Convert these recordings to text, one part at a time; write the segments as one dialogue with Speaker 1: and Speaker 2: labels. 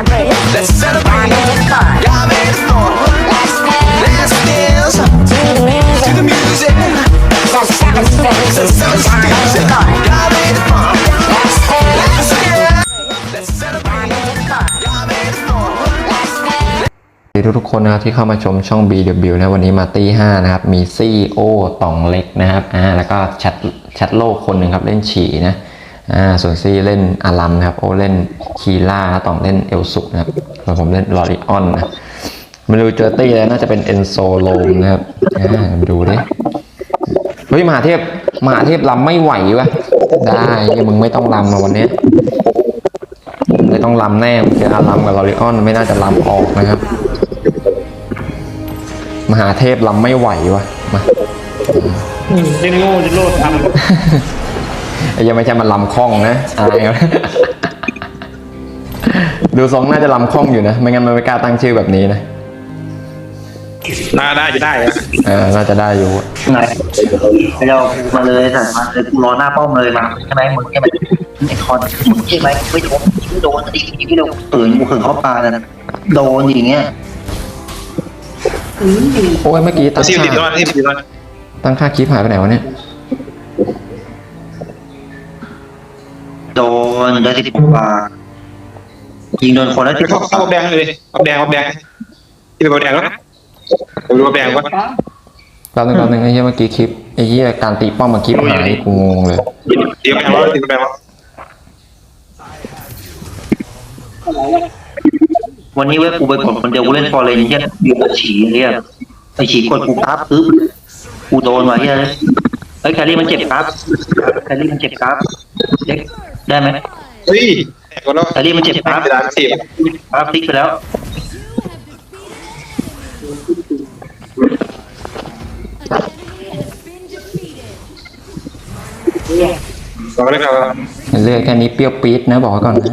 Speaker 1: the bridge.
Speaker 2: Let's celebrate.
Speaker 1: Y'all made it fun.
Speaker 2: Y'all made it fun.
Speaker 1: Let's dance
Speaker 2: Let's dance
Speaker 1: to the music.
Speaker 2: to the music.
Speaker 1: The seven spins.
Speaker 2: The seven
Speaker 1: Y'all made it
Speaker 2: spins.
Speaker 1: fun.
Speaker 2: Y'all made it fun.
Speaker 1: Let's dance
Speaker 2: Let's dance. Let's
Speaker 1: Y'all
Speaker 2: celebrate.
Speaker 1: made it fun.
Speaker 2: Y'all made it fun.
Speaker 1: Let's dance.
Speaker 3: สวัสดีทุกคนนะครับที่เข้ามาชมช่อง BW นะวันนี้มาตี้5นะครับมีซี่โอต่องเล็กนะครับแล้วก็ชัดโลกคนหนึ่งครับเล่นฉี่นะส่วนซี่เล่นอารัมนะครับโอเล่นคีล่าต่องเล่นเอลสุนะครับส่วนผมเล่นลอริออนนะไม่รู้เจอตี้แล้วน่าจะเป็นเอนโซโลมนะครับไปดูดิเฮ้ยมหาเทพลำไม่ไหววะได้มึงไม่ต้องลำมาวันนี้ไม่ต้องลำแน่เจออารัมกับลอริออนไม่น่าจะลำออกนะครับมหาเทพลำไม่ไหววะมา
Speaker 4: เล่นโง่จะโลดทำ
Speaker 3: ยังไม่ใช่มันลำคล่องนะอายครับ ดูทรงน่าจะลำคล่องอยู่นะไม่งั้นมันไม่กล้าตั้งชื่อแบบนี้นะ
Speaker 4: ได้จะได้อะ
Speaker 3: น่าจะได้อยู่
Speaker 5: ไงเรามาเลยสั่งมาเลยกูรอหน้าป้อมเลยมาใช่ไหมมึงใช่ไหมไอคอนมึงใช่ไหมไม่โดนไม่โดนดิไม่โดนกูเขินเขาปาแล้วนะโดนอย่างเงี้ย
Speaker 3: โอ้ยเมื่อกี้ตั้ง
Speaker 4: ที่ติด
Speaker 3: ค่า
Speaker 4: ตัวที่ติดตัว
Speaker 3: ตั้งค่าคลิปหายไปไหนวะเนี่ย
Speaker 5: โดนได้ที่ปายิงโดนคนแล้วที่
Speaker 4: เข้าแดงเลยเอาแดงที่เป็นแดงแล้วดูแดงวะ
Speaker 3: แป๊บนึงไอ้เหี้ยเมื่อกี้คลิปไอ้เหี้ยการตีป้อมมาคลิปหายกูงงเลย
Speaker 4: ตีแดงวะตีแดงวะ
Speaker 5: วันนี้เว้ยกูไปกดคนเดียวกูเล่นฟอร์เรนเฮียอยู่กับฉีเฮียไอฉีกดกูครับปึ๊บกูโดนว่ะเฮียไอแครี่มันเจ็บครับแครี่มันเจ็บครับเด็กได้ไหม
Speaker 4: เฮ้ยแตกแล้ว
Speaker 5: แครี่มันเจ็บครับ
Speaker 4: เวลาสิบ
Speaker 5: ครับพลิกไปแล้ว
Speaker 4: สองเล่นเรา
Speaker 3: เลือกแค่นี้เปรี้ยวปี๊ดนะบอกไว้ก่อนนะ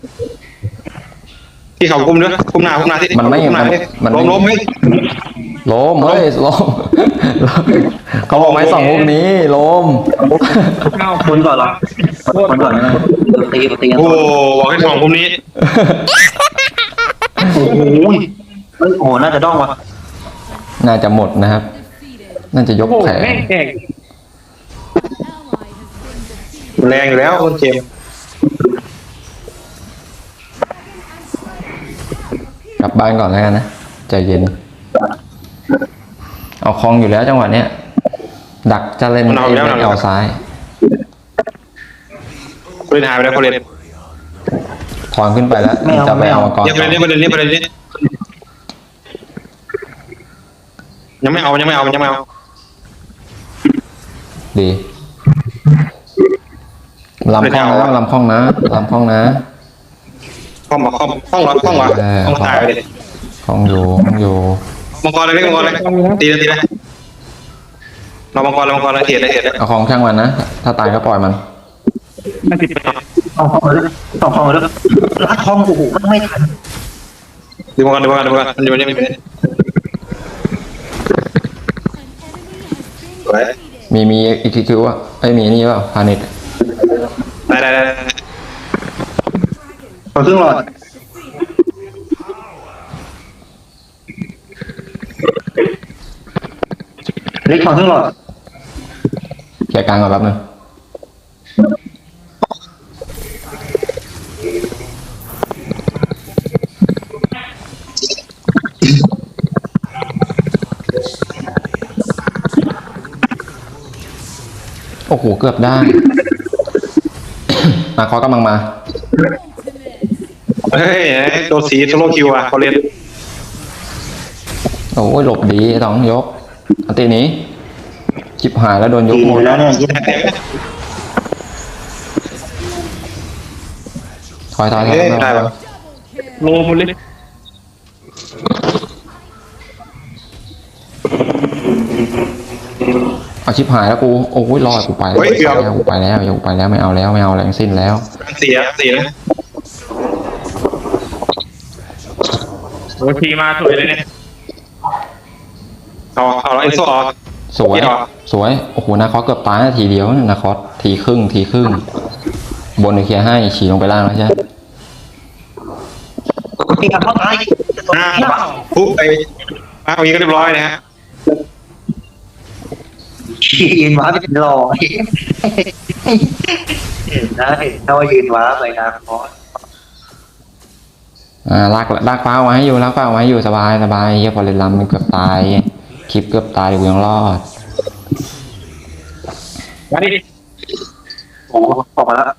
Speaker 4: ที่เขาคุมด้วยคุมหน้าที่
Speaker 3: มันไม่
Speaker 4: ล้มเฮ้ย
Speaker 3: ล้มเฮ้ยล้ม เขาบอกไหมสองพวกนี้ล้ม
Speaker 5: คนก่อนเหรอคนก่อนนะตี
Speaker 4: โอ้บอกให้สองคุมนี้
Speaker 5: โอ้โหน่าจะด้องว่ะ
Speaker 3: น่าจะหมดนะครับ น่าจะยกแผล
Speaker 4: แรงอยู่แล้วคนเกม
Speaker 3: กลับบ้านก่อนแล้วกันนะใจเย็นเอาคลองอยู่แล้วจังหวะเนี้ยดักจะเล่นเอาซ้าย
Speaker 4: คนเล่นหายไปแล้วคนเล่น
Speaker 3: ถอนขึ้นไปแล้วจะไปเอามังกร
Speaker 4: ยังประเด็นนี้ยังไม่เอา
Speaker 3: ดีลำคล้องนะลำคล้องนะลำคล้องนะ
Speaker 4: ห้องวะห้องตายไปเลย
Speaker 3: คล้องอยู่
Speaker 4: มังกรเลยตีเลยเรามังกรเลยเถียดเลย
Speaker 3: เอาของช่างมันนะถ้าตายก็ปล่อยมัน
Speaker 5: ต้องคองเลยรัดคองโอ้โหมันไม่ทัน
Speaker 4: ดูมังกรมันอยู่นี่
Speaker 3: มีอีกทีว่าไอ้มีนี่ว่าพาณิชย์
Speaker 4: ได้
Speaker 5: ขอครึ่งหลอดเล็กขอครึ่งหลอด
Speaker 3: แกะกลางก่อนแป๊บนึงโอ้โหเกือบได้ ขอกำลังมา
Speaker 4: เฮ้ยตัวสีโซโลคิวอ่ะเขาเล่น
Speaker 3: โอ้ยหลบดีต้องยกอันตีนี้จิบหายแล้วโดนยก
Speaker 5: ดี
Speaker 3: หมด
Speaker 5: แล้วเนี่ย
Speaker 3: ถอย
Speaker 4: ได้ปะโลมันเลย
Speaker 3: เอาชิบหายแล้วกูโอ้ยรอดกูไปแล้วกูไปแล้วไม่เอาแล้วอะไรทั้งสิ้นแล้ว
Speaker 4: เสียนะโอ้ทีมาสวยเลยเนี่ยเอาแล้วไอ้โซ่
Speaker 3: สวยโอ้โหนาคอสเกือบตายนาทีเดียวนาคอสทีครึ่งบนเคลียร์ให้ฉี่ลงไปล่างแล้วใช่
Speaker 5: ตีกันเข้าตาย
Speaker 4: ปุ๊บไปมาตรงนี้ก็เรียบร้อยนะฮะ
Speaker 5: ยืนว้าเป็นรอเห็นนะเห็นเขายืนว้าไปนะเพราะ
Speaker 3: ลากฟ้าไว้ให้อยู่ลากฟ้าไว้อยู่สบายเฮียพอเลยลำมันเกือบตายคลิปเกือบตายกูยังรอด
Speaker 4: มาดิ
Speaker 5: โอ้ออกมาแล้ว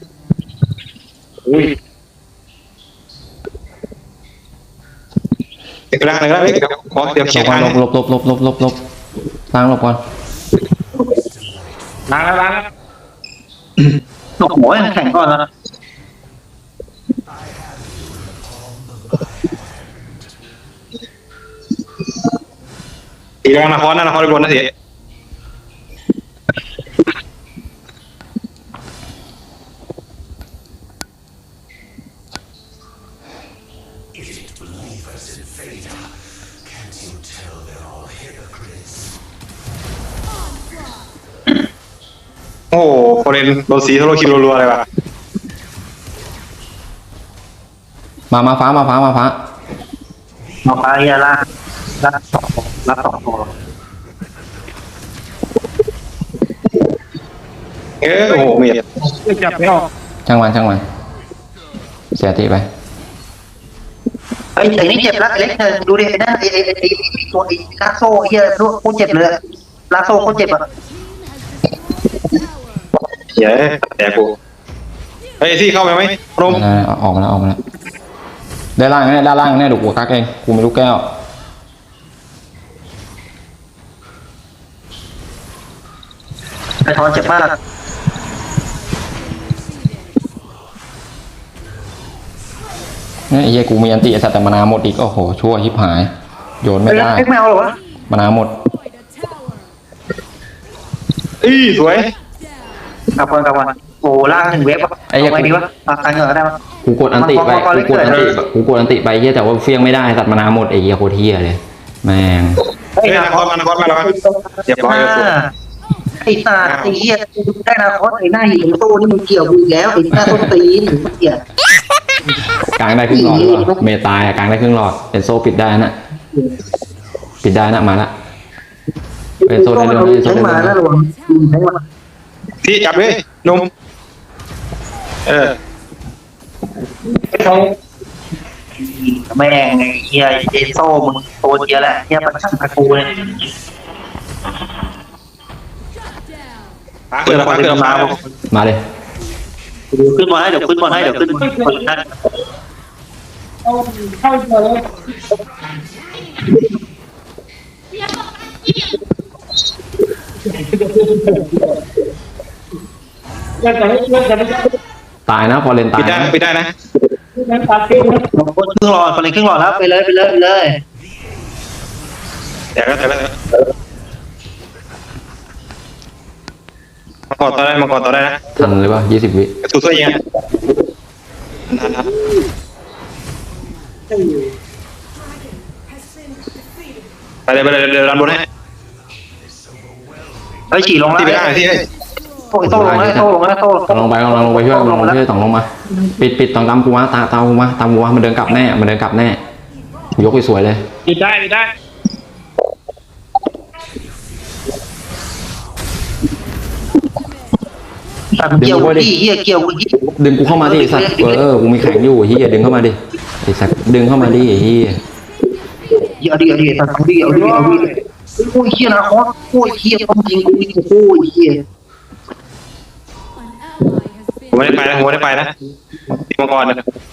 Speaker 4: อุ้ยเด็กร่างเลยนะพี่ขอเตรียมเชียร์ทาง
Speaker 3: ลบล้างลบก่อน
Speaker 4: ล้างแล้ว
Speaker 5: หนกหัวแข็งก่อนนะ
Speaker 4: ตีแรงนะครนะครโดนนะสิโอ้โหโคเรนโดนสีโทโรคิวรัวๆเลยว่ะ
Speaker 3: มาฟ้า
Speaker 5: มาไปยาละสองตัว
Speaker 4: โอ้โหเมียจับไม่ออก
Speaker 3: ช่างมันเสียทีไป
Speaker 5: ไอ้นี่เจ็บแล้วเล็กเธอดูดิไอ้นั่นไอ้ตัวไอ้ลากโซ่เฮียลูกกูเจ็บเลยลากโซ่กูเจ็บอ่ะ
Speaker 4: เย้แต่กูเฮ้ยที่เข้าไปไหมรม
Speaker 3: ออกมาแล้วด้านล่างเนี่ยดูกูกักเองกูไม่รู้แก้ว
Speaker 5: ไอ้ทอนเจ็บมาก
Speaker 3: เนี่ยไอ้เหี้ยกูมีอันติสัตว์แต่มานาหมดอีกโอ้โหชั่วชิบหายโยนไม่ได้
Speaker 5: ไม่เอาหรอวะ
Speaker 3: มานาหมด
Speaker 4: สวย
Speaker 5: กลับวันโอ้ล่างหนึ่งเว็บเอาไงดีวะตังเหรอได้ปะ
Speaker 3: กูกดอันติไปกูกดอันติไปเหี้ยแต่ว่าเฟี้ยงไม่ได้สัตว์มานาหมดไอ้เหี้ยโคตรเหี้ยเลยแม่ง
Speaker 4: เฮ้ยนครมาแล้วเรียบร้อยแล้ว
Speaker 5: ไอ้ตาไอ้เหี้ยได้นะคอสไอ้หน้าหินโตนี่มันเกี่ยวอีกแล้วไอ้หน้าต้นตีนเหี้ย
Speaker 3: กลางได้ครึ่งหลอดแล้วเมตายกลางได้ครึ่งหลอดเป็นโซ่ปิดได้นะมาละเป็นโซ่ได้เร็ว
Speaker 5: ใช้มาแล้วระวังใช้มา
Speaker 4: ที่จับเลยนุ่ม
Speaker 5: แม่งไอ้เหี้ยเจโซ่มึงโตเยอะแล้วเหี้ยประชันตะกูเลย
Speaker 4: เปิดมา
Speaker 3: มาเลย
Speaker 5: ขึ้นมาให้เดี๋ยวขึ้นมาให้เดี๋ยวขึ้นนะ
Speaker 3: ตายนะพอเลนตาย
Speaker 4: ปิดได้นะ
Speaker 5: คนครึ่งหลอดคนครึ่งหลอดแล้วไปเลย
Speaker 4: แต่ก็มาก่อนต่อได้นะ
Speaker 3: ทันเลยป่ะ20 วิ
Speaker 4: ถูกตัวยังไปเลยเดี๋ยวรันบนให้
Speaker 5: เฮ้ยฉี่ลงแล้ว
Speaker 4: ที่ไปได้ที่
Speaker 5: โต้ลงแล้ว
Speaker 3: ต้องลงไปช่วยต้องลงมาปิดต้องตามกูมาตามกูมามันเดินกลับแน่ยกไปสวยเลย
Speaker 4: ปิดได้
Speaker 5: เกี่ยวดิเหี้ยเกี่ยว
Speaker 3: ดึงกูเข้ามาดิสัตว์กูมีแข็งอยู่เฮียดึงเข้ามาดิไอ้สัตว์ดึงเข้ามาดิเฮีย
Speaker 5: เอาดิตัดดิเอาดิโอ้ยเหี้ยนะคอสโอ้ยเหี้ยต้องยิงกูโอ้ยเหี้ย
Speaker 4: ผมไม่ได้ไปนะตีมังกรนะ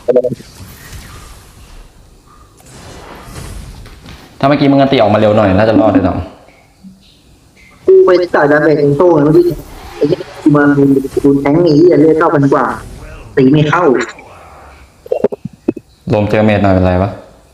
Speaker 3: ถ้าเมื่อกี้มึงอันติออกมาเร็วหน่อยน่าจะรอดได้ต่อ
Speaker 5: กูไปจ่ายดาเมจโต้เมื่อกี้ไอ้เหี้ยมันดูแทงนี้อย่าเลือด9,000 กว่าตีไม่เข้า
Speaker 3: ลมเจอเมดหน่อยเป็นไรปะ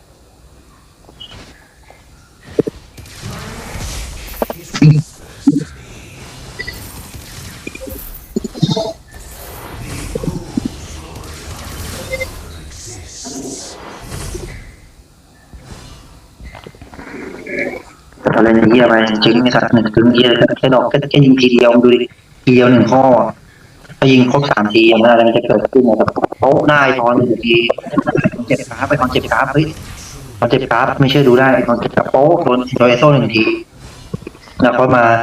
Speaker 5: อะไรเนี่ยเหี้ยไปจริงไอ้สัตว์1 ถึงเหี้ยแค่ดอกแค่ยิงทีเดียวดูดิทีเดียว1 ข้อถ้ายิงครบ3 ทีอะไรมันจะเกิดขึ้นนะครับโต๊ะหน้าไอ้ทอน1 ทีเจ็บกราฟไอคอนเจ็บกราฟเฮ้ยมันเจ็บกราฟไม่เชื่อดูได้ไอคอนเจ็บกราฟโป๊ะโดนเอโซ่หนึ่งทีแล้วก็มา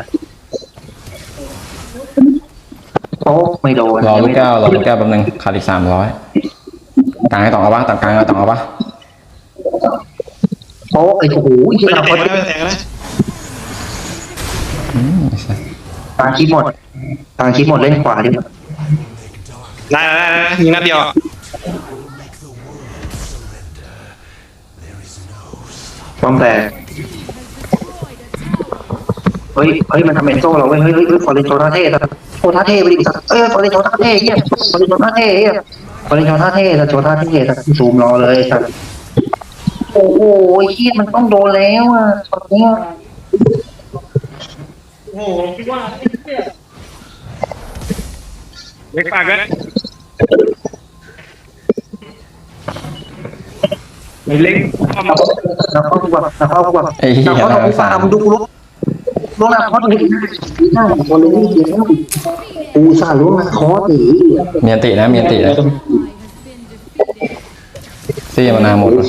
Speaker 5: โป๊ะไม่โดน
Speaker 3: รอลูกแก้วแป๊บนึงขาดอีก300กลางให้ต่องเอาปะต่างกลางเอาต่องเอาปะ
Speaker 5: โป๊ะไอ้โอ้โห
Speaker 4: ไม่
Speaker 5: ที่
Speaker 4: แต
Speaker 5: เรา
Speaker 4: ก
Speaker 5: พอ
Speaker 4: ไม่แตกนะ
Speaker 3: ไอ้สัส
Speaker 5: ทางคิดหมดเล่นขวาดิ
Speaker 4: ได้ยิงนัดเดียว
Speaker 5: ป้อมแตกเฮ้ยมันทำเป็นโซ่เราเว้ยเฮ้ยฟอร์เรนโชท่าเท่โชท่าเท่ไปดิสัตว์ฟอร์เรนโชท่าเท่เฮียฟอร์เรนโชท่าเท่เฮียฟอร์เรนโชท่าเท่สัตว์โชท่าเท่สัตว์ซูมรอเลยสัตว์โอ้โหเฮียมันต้องโดนแล้วอ่ะตอนนี้
Speaker 4: เล็กปากเลยไม่เล็ก
Speaker 5: นักเข้าดีกว่า
Speaker 3: ไอ้เหี้ย
Speaker 5: นักเข้า
Speaker 3: น่าส
Speaker 5: ดี
Speaker 3: ง
Speaker 5: กว่า
Speaker 3: สาร
Speaker 5: มึงดูล้วงนักเข้าดีหน้าคนเลยนี่เดียวกูสาล้วงนักเข้าตี
Speaker 3: เมียนตินะซี่มานาหมด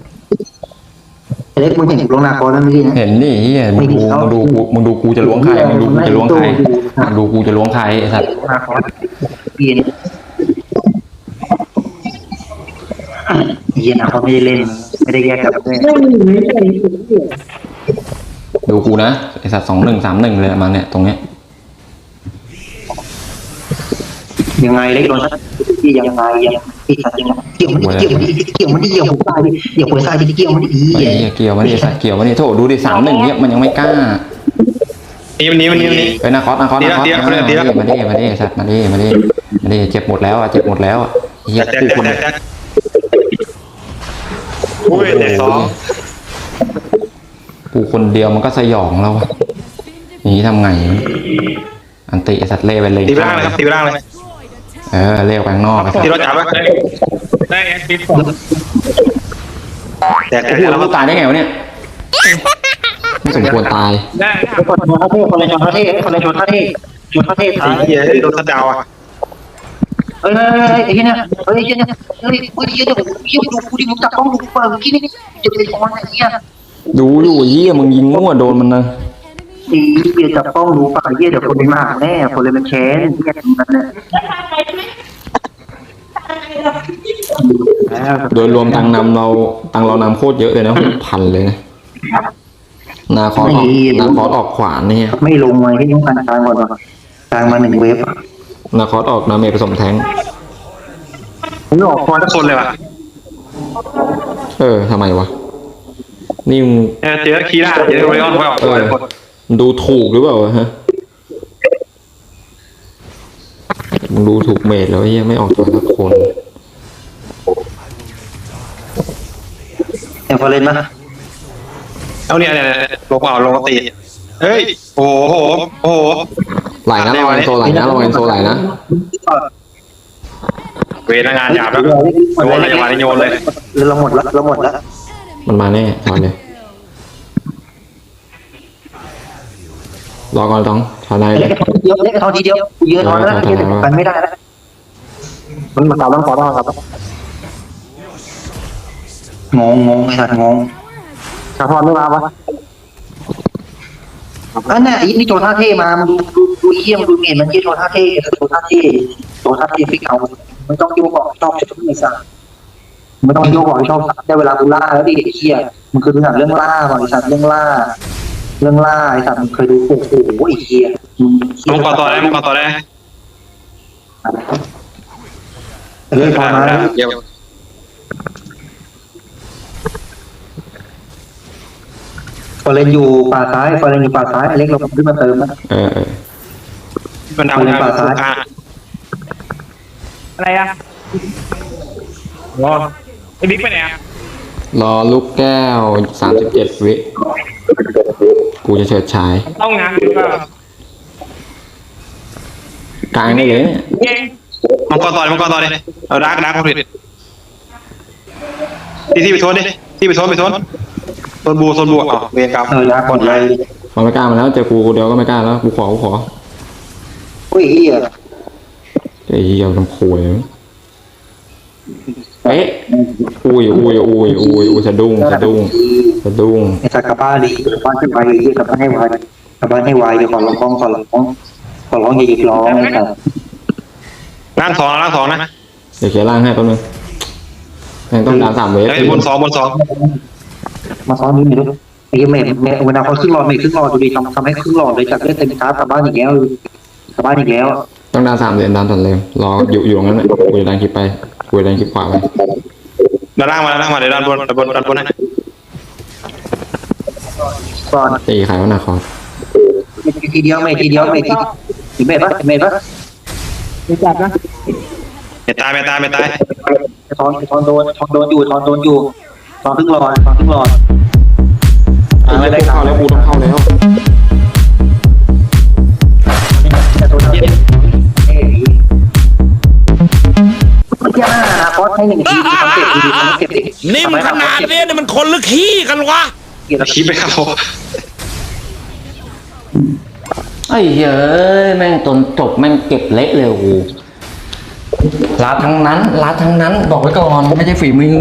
Speaker 5: เล็กมึงเห็นล้วงนักเข้าแล้วเมื่อกี้นะ
Speaker 3: เห็นดิเฮียมึงดูกูจะล้วงใครมึงดูกูจะล้วงใครไอ้สัตว์
Speaker 5: นาคอสเย็นเย็นนะเขาไม่ได้เล่นไม่ได้แยกกับเพื่อน
Speaker 3: ดูกูนะไอ้สัตว์2131เลยมาเนี่ยตรงเนี้ย
Speaker 5: ยังไงเล็กโดนชัดที่ยังไงที่ชัดยังไงเกี่ยวมันดิหัวตายดิเดี๋ยวหัวตายดิเกี่ยวมันดิ
Speaker 3: ไอ้เหี้ยเกี่ยวมาดิสัตว์เกี่ยวมาดิโถดูดิ31เนี่ยมันยังไม่กล้า
Speaker 4: นี่
Speaker 3: เฮ้ยนาคอสมาดิสัตว์มาดิเจ็บหมดแล้วเฮีย
Speaker 4: แตกโอ้ยแตกสอง
Speaker 3: กูคนเดียวมันก็สยองแล้ววะอย่างนี้ทำไงอันติไอ้สัตว์เล่ไปเลย
Speaker 4: ตีไปล่างเลยครับตีไปล่างเลย
Speaker 3: เล่ไปข้างนอกไอ้สัต
Speaker 4: ตี
Speaker 3: ว์
Speaker 4: รถจับไว้ได้แอดมิดแตก
Speaker 3: โอ้โหแล้วกูตายได้ไงวะเนี่ยไม่สมควรตาย
Speaker 4: ได้
Speaker 5: คนโชท่าเท่โชท่าเท่
Speaker 4: ไอ้เหี้ยโดนทัดดาวอ่ะ
Speaker 5: ไอ้เหี้ยเนี่ยไอ้เหี้ยเนี่ยดูกูดิมึงจับต้องดูกูเมื่อกี้นี่จะเป็นคนไอ้เหี้ย
Speaker 3: ดูอยู่เหี้ยมึงยิงมั่วโดนมันนะ
Speaker 5: ตีเดี๋ยวจับต้องดูป่ะเหี้ยเดี๋ยวคนไม่มาแน่คนเลยมันแค้นที่แกทำนั่นแหละ
Speaker 3: โดยรวมตังเรานำโคตรเยอะเลยนะ6,000เลยนะนาคอสออกขวานเนี่ย
Speaker 5: ไม่ลงไว้ที่ต้องการกลางก่อนกลางมา1 เวฟ
Speaker 3: นาคอสออกนาเมผสมแท้ง
Speaker 5: ผมออกคอน
Speaker 4: ทุกคนเลยว่ะ
Speaker 3: ทำไมวะนี่มึง
Speaker 4: เจอคีร่าเจอโอริออนไว้ออกตัว
Speaker 3: ดูถูกหรือเปล่าวะฮะมึงดูถูกเมดแล้วเฮียไม่ออกตัวสักคน
Speaker 5: พอเล่นมา
Speaker 4: เอาเนี่ยลงตีเฮ้ยโอ้โห
Speaker 3: ไหลนะลองเอนโซไหลนะ
Speaker 4: เวรงานหยาบแล้วโยนเลยจังหวะนี้โยนเลย
Speaker 5: เราหมดแล้ว
Speaker 3: มันมาแน่ถอยเลยรอก่อนต้องถอยในเลย
Speaker 5: เล็กเท่าทีเดียวเยอะเท่านั้นกันไม่ได้แล้วมันมาต้องขอต้องครับงงไอ้สัตว์งงสะพอนไม่มาวะอันน่ะนี่โจท่าเท่มามันดูเยี่ยมดูเห็นมันยี่โจท่าเท่ฟิกเอาไม่ต้องโยกออกชอบชุดไอ้สัตว์ไม่ต้องโยกออกชอบได้เวลากูล่าแล้วดิไอ้เหี้ยมันคือเรื่องล่าบริษัทเรื่องล่าไอ้สัตว์มันเคยดูโอ้โหไอ้เหี้ย
Speaker 4: มังกรต่อได้
Speaker 5: เรื่องพอมา
Speaker 4: เดี๋ยว
Speaker 5: ฟอร์เรนอยู่ป่าซ้ายเล็กเราขึ้นมาเติมนะ
Speaker 4: มันทำงานอะไรอ่ะรอไอ้บิ๊กไปไหนอ่ะ
Speaker 3: รอลูกแก้ว37 วิกูจะเฉิดฉาย
Speaker 4: ต้องงานหรือเปล่าก
Speaker 3: ลางได้เลย
Speaker 4: มังกรต่อเลยเอาดักมาผิดที่ไปโซนดิที่ไปโซนโซนบูอ๋อเวรกรรม
Speaker 5: ยาก่อนเลย
Speaker 3: มันไม่กล้ามาแล้วเจอกูเดียวก็ไม่กล้าแล้วกูขอ
Speaker 5: โอ้ยเหี้ย
Speaker 3: ไอ้เหี้ยทำโขย
Speaker 5: โอ้
Speaker 3: เป๊ะอุ้ยสะดุ้ง
Speaker 5: ไอ้สัตว์กลับบ้านดิกลับบ้านให้ไวกลับบ้านให้ไวกลับบ้านให้ไวเดี๋ยวขอร้องอย่าหยุดร้องไอ้สัตว์
Speaker 4: ล่างสองนะ
Speaker 3: เดี๋ยวเคลียร์ล่างให้แป๊บนึงแม่งต้องดัน3 เวฟ
Speaker 4: เฮ้ยบนสอง
Speaker 5: มาซ้อนนี้มีด้วยไอ้เมย์เวลาเขาขึ้นหลอดเมย์ขึ้นหลอดดูดิทำให้ขึ้นหลอดเลยจากเล่นเต็มกราฟกลับบ้านอีกแล้ว
Speaker 3: ต้องดัน3 เลนดัน2 เลนรออยู่ตรงนั้นแหละกูจะดันคลิปไปกูจะดันคลิปขวาไป
Speaker 4: ด้านล่างมาเดี๋ยวด้านบนให้
Speaker 5: ก่อน
Speaker 3: ตีใครวะนาคอส
Speaker 5: ทีเดียวเมย์ทีเมย์ปะไม่ตาย ทอนโดนอยู่ทอนขึ้นหลอด
Speaker 3: ไอ้เหี้ยเข้าแล้วกูต้องเข้าแล้ว
Speaker 5: มันเที่ยวหน้านะคอสให้1 ทีทำเก็บดีทำเก็บดิ
Speaker 6: นิ่มขนาดนี้เนี่ยมันคนหรือขี้กันวะ
Speaker 4: ชี้ไปเข้า
Speaker 3: ไอ้เหี้ยแม่งตนจบแม่งเก็บเละเลยกูลาทั้งนั้นบอกไว้ก่อนไม่ใช่ฝีมือ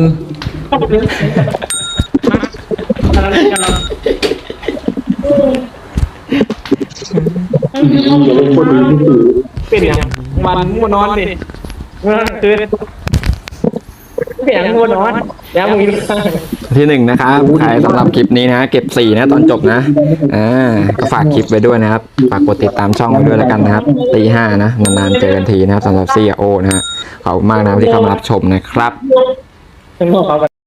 Speaker 7: เป็นอย่างมันมัวนอนดิคือเป็นอย่างมัวนอนแล้วมึง
Speaker 3: ที่1นะครับใครสำหรับคลิปนี้นะเก็บ4นะตอนจบนะก็ฝากคลิปไว้ด้วยนะครับฝากกดติดตามช่องไว้ด้วยแล้วกันนะครับตี 5นะนานๆเจอกันทีนะครับสำหรับ CRO นะฮะขอบคุณมากนะที่เข้ามารับชมนะครับ